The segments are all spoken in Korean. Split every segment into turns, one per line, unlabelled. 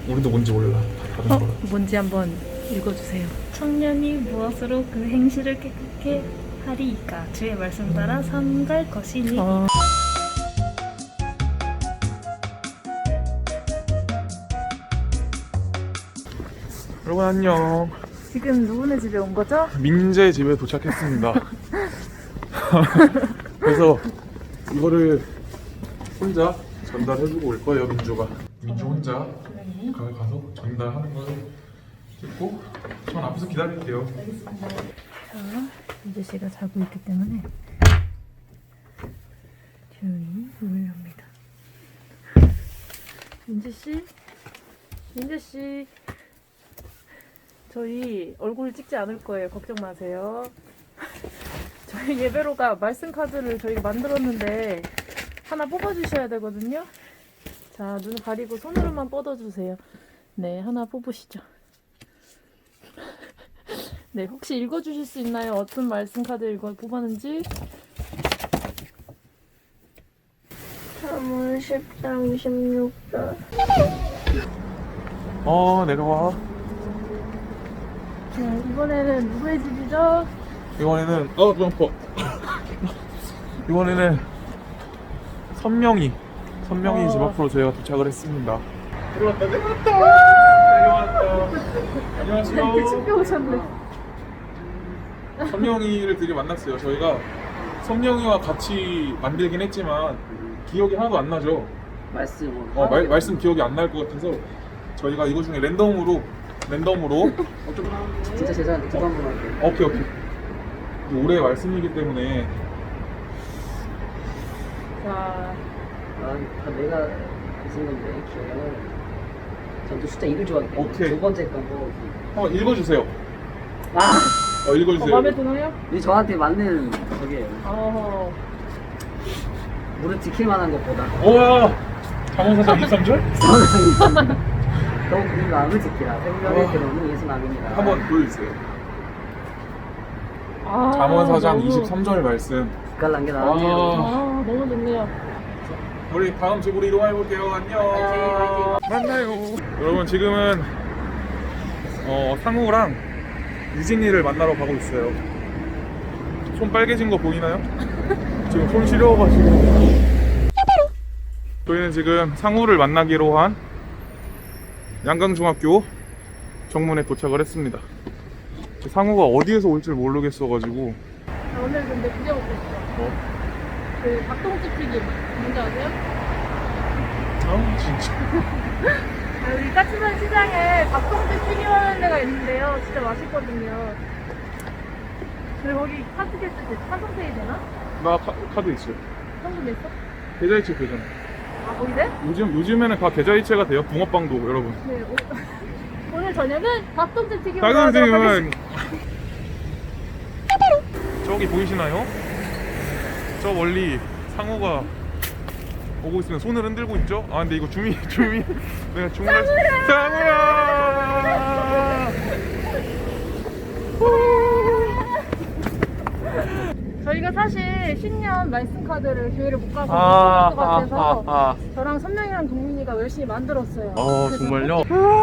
우리도 뭔지 몰라. 다른 거라.
뭔지 한번 읽어주세요.
청년이 무엇으로 그 행실을 깨끗게 하리이까 주의 말씀 따라 삼갈 것이니.
여러분 안녕.
지금 누구네 집에 온 거죠?
민재 집에 도착했습니다. 그래서 이거를 혼자 전달해주고 올 거예요, 민주가. 민주 혼자 가서 전달하는 걸 찍고 전 앞에서 기다릴게요.
자, 민재 씨가 자고 있기 때문에 조용히 문을 엽니다. 민재 씨, 민재 씨, 저희 얼굴 찍지 않을 거예요. 걱정 마세요. 저희 예배로가 말씀 카드를 저희가 만들었는데 하나 뽑아주셔야 되거든요. 자, 눈을 가리고 손으로만 뻗어주세요. 네, 하나 뽑으시죠. 네, 혹시 읽어주실 수 있나요? 어떤 말씀 카드 뽑았는지?
사문 10장 26절.
내려와.
네, 이번에는 누구의 집이죠?
이번에는 점퍼. 이번에는 선명이 집 앞으로 저희가 도착을 했습니다. 내려왔다. 안녕하세요.
이렇게 챙겨오셨네.
선명이를 드디어 만났어요. 저희가 선명이와 같이 만들긴 했지만 기억이 하나도 안 나죠. 말씀 기억이 안 날 것 같아서 저희가 이거 중에 랜덤으로 좀
진짜 제자한테 두번 물어볼게요.
오케이. 올해 말씀이기 때문에
자,
다 내가 무슨 건데 기억은 전또 숫자 2를 좋아하기 때문에
오케이.
두 번째 거고
한번 읽어주세요. 읽어주세요.
마음에 드나요?
이 저한테 맞는 저게요.
어허.
무릎 지킬 만한 것보다
우와! 잠언사장 23절?
너무 이 마음을 지키라. 생명의 근원은 예수 마음입니다.
한번 보여주세요.
아,
잠언사장
너무-
23절 말씀.
빛깔난 게 나왔네요.
아, 너무 좋네요.
우리 다음 집으로 이동해볼게요. 안녕. 만나요. 여러분 지금은 상우랑 유진이를 만나러 가고 있어요. 손 빨개진 거 보이나요? 지금 손 시려워가지고. 저희는 지금 상우를 만나기로 한 양강중학교 정문에 도착을 했습니다. 상우가 어디에서 올 줄 모르겠어가지고.
자, 오늘 근데 그게 먹고 싶어. 그 닭똥집 튀김 뭔지 아세요?
진짜.
여기 까치산 시장에 닭똥집 튀김 하는 데가 있는데요. 진짜 맛있거든요. 그리고 거기 카드 겠을 때 한성페이 되나?
나 카드 있어요.
한국 냈어?
계좌이체 되잖아.
아, 거기 돼?
요즘에는 다 계좌이체가 돼요. 붕어빵도 여러분.
네. 오늘 저녁은 닭똥집 튀김
닭
하도록
선생님은
하겠습니다.
저기 보이시나요? 저 멀리 상어가 오고 있으면 손을 흔들고 있죠? 아 근데 이거 줌이 내가 줌을 상어야!
저희가 사실 신년 말씀 카드를 교회를 못 가서 못 볼 것 같아서 저랑 선명이랑 동민이가 열심히 만들었어요. 그래서
정말요?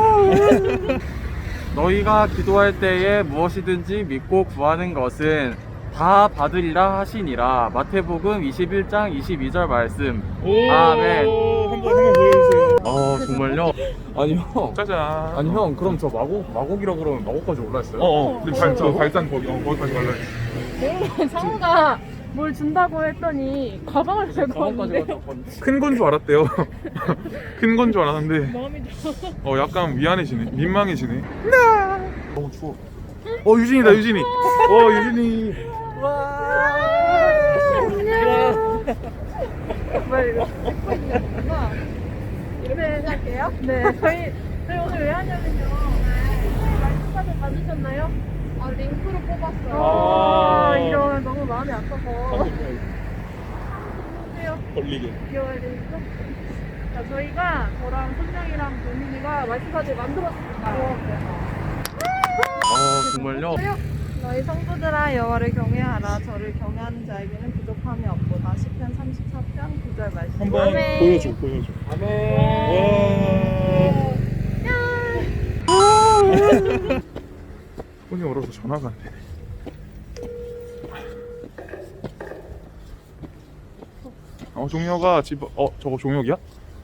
너희가 기도할 때에 무엇이든지 믿고 구하는 것은 다 받으리라 하시니라. 마태복음 21장 22절 말씀. 아멘.
한번 보여주세요.
정말요? 아니 형.
짜잔.
아니 형, 그럼 저 마곡이라 그러면 마곡까지 올라왔어요?
근데 발산 거기까지 갈라 했어.
상우가 뭘 준다고 했더니 가방을 들고 왔는데
큰 건 줄 알았대요. 큰 건 줄 알았는데
마음이 좀
약간 미안해지네. 민망해지네. 너무 추워. 유진이다, 유진이. 유진이.
정말 이거 예쁘구나. 이렇게 할게요? 네, 저희 오늘 왜 하냐면요. 말씀 카드 받으셨나요? 링크로 뽑았어요. 이런 너무 마음이 아파서. 안녕하세요.
걸리게.
귀여워야 되니까. 자, 저희가 저랑 선명이랑 도민이가 말씀 카드 만들었습니다.
정말요?
너희 성도들아 여호와를 경외하라. 저를 경외하는 자에게는 부족함이 없도다. 시편 34편 9절 말씀.
한번 보여줘.
아멘.
와. 받아도 전화가 안 되네. 종혁아 집 저거 종혁이야?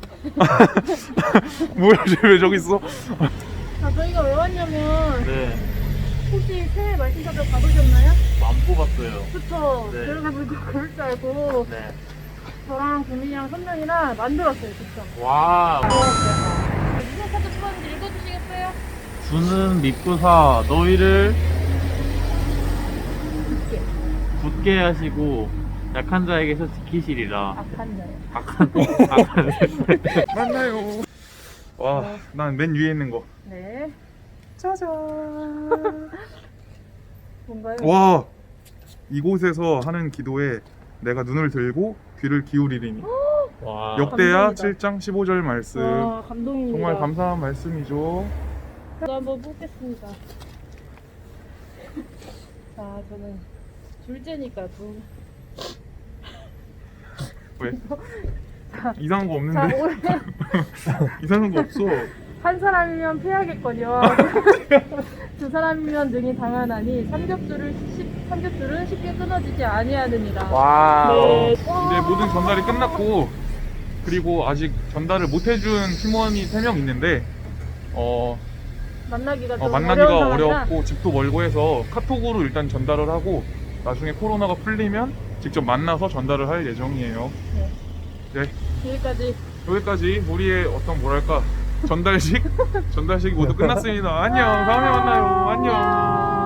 뭐야 쟤 왜 저기 있어?
저희가 왜 왔냐면
네,
혹시 새해 말씀카드 받으셨나요?
안 뽑았어요.
그쵸.
네.
그래가지고 그럴 줄 알고
네.
저랑 구민이랑 선명이랑 만들었어요, 직접.
와.
무슨 카드 뽑았는지 읽어주시겠어요?
주는 믿고사 너희를
굳게.
굳게 하시고 약한 자에게서 지키시리라.
악한 자요.
악한
만나요. 와, 난 맨 위에 있는 거.
네.
짜잔.
뭔가요?
와, 이곳에서 하는 기도에 내가 눈을 들고 귀를 기울이리니.
와.
역대하
감동이다.
7장 15절 말씀.
와, 감동입니다.
정말 감사한 말씀이죠.
저도 한번 뽑겠습니다. 자, 저는 둘째니까 두.
왜? 이상한 거
자,
없는데?
올해
이상한 거 없어.
한 사람이면 패하겠거니와 두 사람이면 능히 당하나니 삼겹줄은 쉽게 끊어지지 아니하느니라.
와.
네.
이제 모든 전달이 끝났고, 그리고 아직 전달을 못 해준 팀원이 3명 있는데
만나기가 좀
만나기가
어려운 상황이라
어렵고 집도 멀고 해서 카톡으로 일단 전달을 하고 나중에 코로나가 풀리면 직접 만나서 전달을 할 예정이에요. 네, 여기까지 우리의 전달식 모두 끝났습니다. 안녕. 다음에 만나요. 안녕.